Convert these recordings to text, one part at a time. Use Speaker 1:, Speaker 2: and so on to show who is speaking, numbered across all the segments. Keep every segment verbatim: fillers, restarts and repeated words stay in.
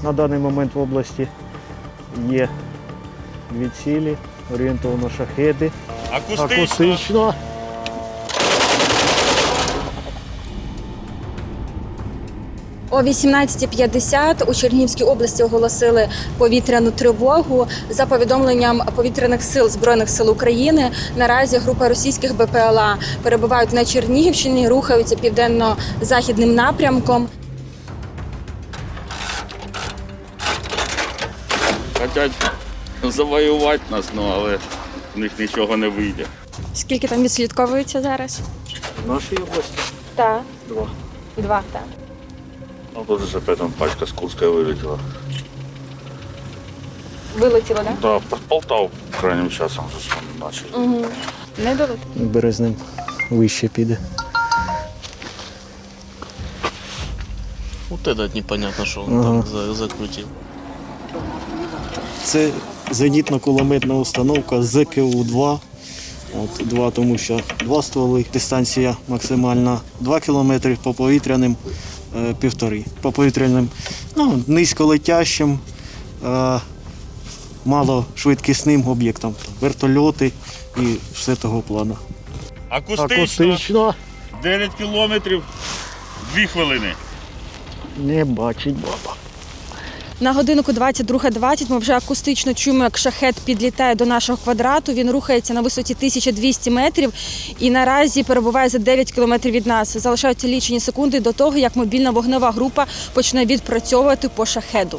Speaker 1: На даний момент в області є дві цілі, орієнтовно шахеди.
Speaker 2: Акустично.
Speaker 1: Акустично.
Speaker 3: О вісімнадцятій п'ятдесят у Чернігівській області оголосили повітряну тривогу. За повідомленням повітряних сил Збройних сил України, наразі група російських Б П Л А перебувають на Чернігівщині, рухаються південно-західним напрямком.
Speaker 2: Хочуть завоювати нас, ну, але в них нічого не вийде.
Speaker 3: Скільки там відслідковується зараз?
Speaker 1: В нашій області
Speaker 3: Так.
Speaker 1: два.
Speaker 3: Два, так.
Speaker 2: Ну, тут же опять там пачка з Курська вилетіла.
Speaker 3: Вилетіло, так?
Speaker 2: Да, под Полтаву крайнім часом вже почали.
Speaker 3: Угу. Не долетіло.
Speaker 1: Березнем вище піде.
Speaker 4: Вот этот непонятно, что он
Speaker 1: Ага.
Speaker 4: там за- закрутил.
Speaker 1: Це зенітно-кулеметна установка З К У два. От, два, тому що два стволи, дистанція максимальна два кілометри, по повітряним е, півтори. По повітряним ну, низьколетящим, е, малошвидкісним об'єктам. Вертольоти і все того плану.
Speaker 2: Акустично. дев'ять кілометрів, дві хвилини.
Speaker 1: Не бачить баба.
Speaker 3: На годиннику двадцять друга двадцять ми вже акустично чуємо, як шахет підлітає до нашого квадрату. Він рухається на висоті тисяча двісті метрів і наразі перебуває за дев'ять кілометрів від нас. Залишаються лічені секунди до того, як мобільна вогнева група почне відпрацьовувати по шахеду.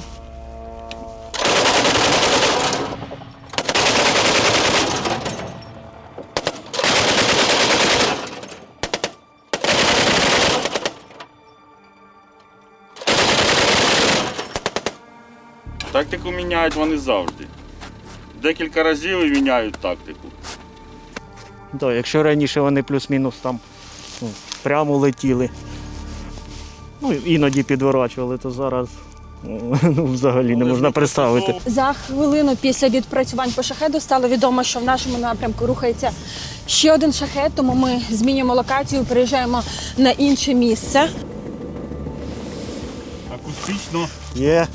Speaker 2: Тактику міняють вони завжди. Декілька разів і міняють тактику.
Speaker 1: Да, якщо раніше вони плюс-мінус там ну, прямо летіли, ну, іноді підворачували, то зараз ну, взагалі не можна представити.
Speaker 3: За хвилину після відпрацювань по шахеду стало відомо, що в нашому напрямку рухається ще один шахет, тому ми змінюємо локацію, переїжджаємо на інше місце.
Speaker 2: Акустично.
Speaker 1: Є.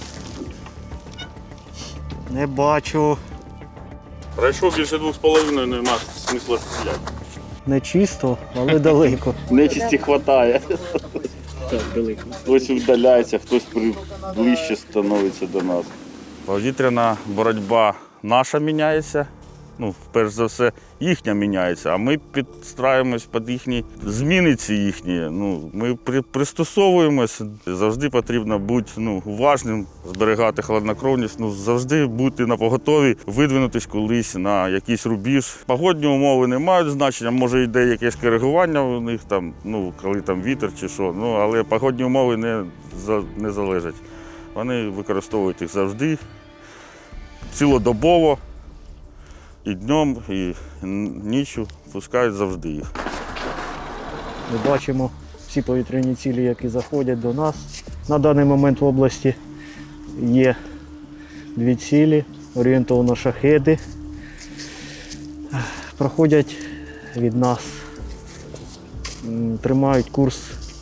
Speaker 1: Не бачу.
Speaker 2: Пройшов більше двох з половиною, нема смисла стріляти.
Speaker 1: Не чисто, але далеко.
Speaker 2: Нечисті хватає.
Speaker 1: Так, далеко.
Speaker 2: Хтось віддаляється, хтось ближче становиться до нас. Повітряна боротьба наша міняється. Ну, перш за все, їхня міняється, а ми підстраюємось під їхні зміни ці їхні. Ну, ми при, пристосовуємось. Завжди потрібно бути ну, уважним, зберігати хладнокровність, ну, завжди бути напоготові, видвинутись колись на якийсь рубіж. Погодні умови не мають значення, може йде якесь коригування у них, там, ну, коли там вітер чи що, ну, але погодні умови не, не залежать. Вони використовують їх завжди, цілодобово. І днем, і ніччю пускають завжди їх.
Speaker 1: Ми бачимо всі повітряні цілі, які заходять до нас. На даний момент в області є дві цілі, орієнтовно шахеди. Проходять від нас, тримають курс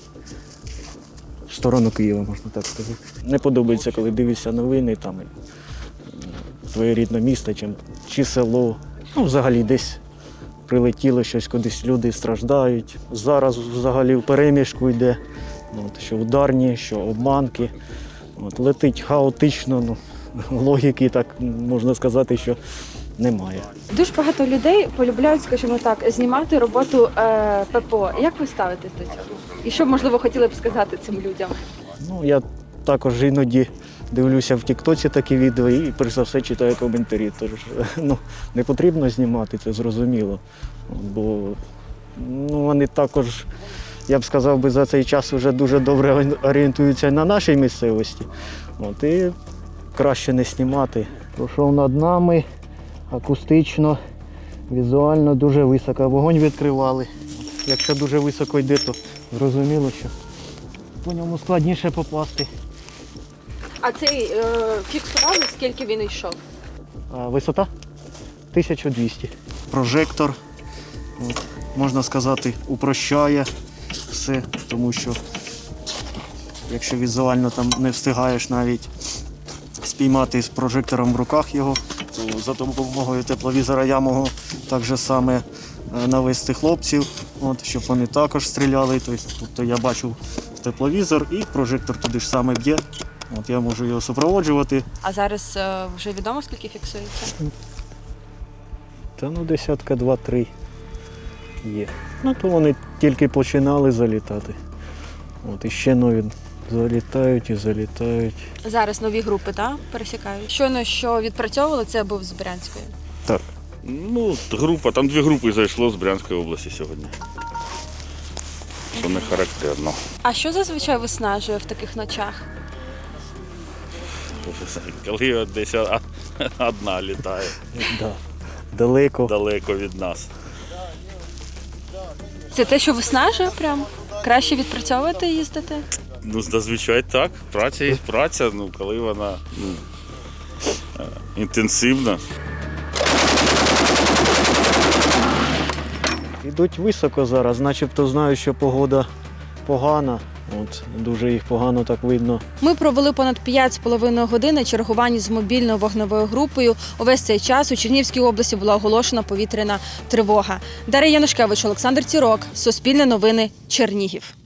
Speaker 1: в сторону Києва, можна так сказати. Не подобається, коли дивишся новини, там твоє рідне місто чи, чи село. Ну, взагалі десь прилетіло щось, кудись люди страждають. Зараз взагалі в переміжку йде, от, що ударні, що обманки. От, летить хаотично, ну, логіки, так можна сказати, що немає.
Speaker 3: Дуже багато людей полюбляють, скажімо так, знімати роботу е, П П О. Як ви ставитесь до цього? І що б, можливо, хотіли б сказати цим людям?
Speaker 1: Ну, я також іноді дивлюся в тіктоці такі відео і, перш за все, читаю коментарі. Тож, ну, не потрібно знімати, це зрозуміло. Бо ну, вони також, я б сказав, би, за цей час вже дуже добре орієнтуються на нашій місцевості. От, і краще не знімати. Пройшов над нами, акустично, візуально дуже високо. Вогонь відкривали. Якщо дуже високо йде, то зрозуміло, що по ньому складніше попасти.
Speaker 3: А цей е, фіксували, скільки він йшов?
Speaker 1: А висота тисяча двісті. Прожектор, от, можна сказати, упрощає все, тому що якщо візуально там не встигаєш навіть спіймати з прожектором в руках його. То за допомогою тепловізора я можу так же саме е, навести хлопців, от, щоб вони також стріляли. Тобто, тобто я бачу тепловізор і прожектор туди ж саме б'є. От, я можу його супроводжувати.
Speaker 3: А зараз е, вже відомо, скільки фіксується?
Speaker 1: Та ну десятка два-три є. Ну то вони тільки починали залітати. От і ще нові залітають і залітають.
Speaker 3: Зараз нові групи, так, пересікають. Щойно, що відпрацьовували, це був з Брянської.
Speaker 1: Так.
Speaker 2: Ну, група, там дві групи зайшло з Брянської області сьогодні. Що не характерно.
Speaker 3: А що зазвичай виснажує в таких ночах?
Speaker 2: Коли десь одна літає
Speaker 1: Да. Далеко.
Speaker 2: далеко від нас.
Speaker 3: Це те, що виснажує прям? Краще відпрацьовувати і їздити?
Speaker 2: Ну, зазвичай так. Праця є праця, ну, коли вона ну, е, інтенсивна.
Speaker 1: Ідуть високо зараз, начебто знаю, що погода погана. От, дуже їх погано так видно.
Speaker 3: Ми провели понад п'ять з половиною години чергування з мобільною вогневою групою. Увесь цей час у Чернігівській області була оголошена повітряна тривога. Дар'я Янушкевич, Олександр Цірок, Суспільне новини, Чернігів.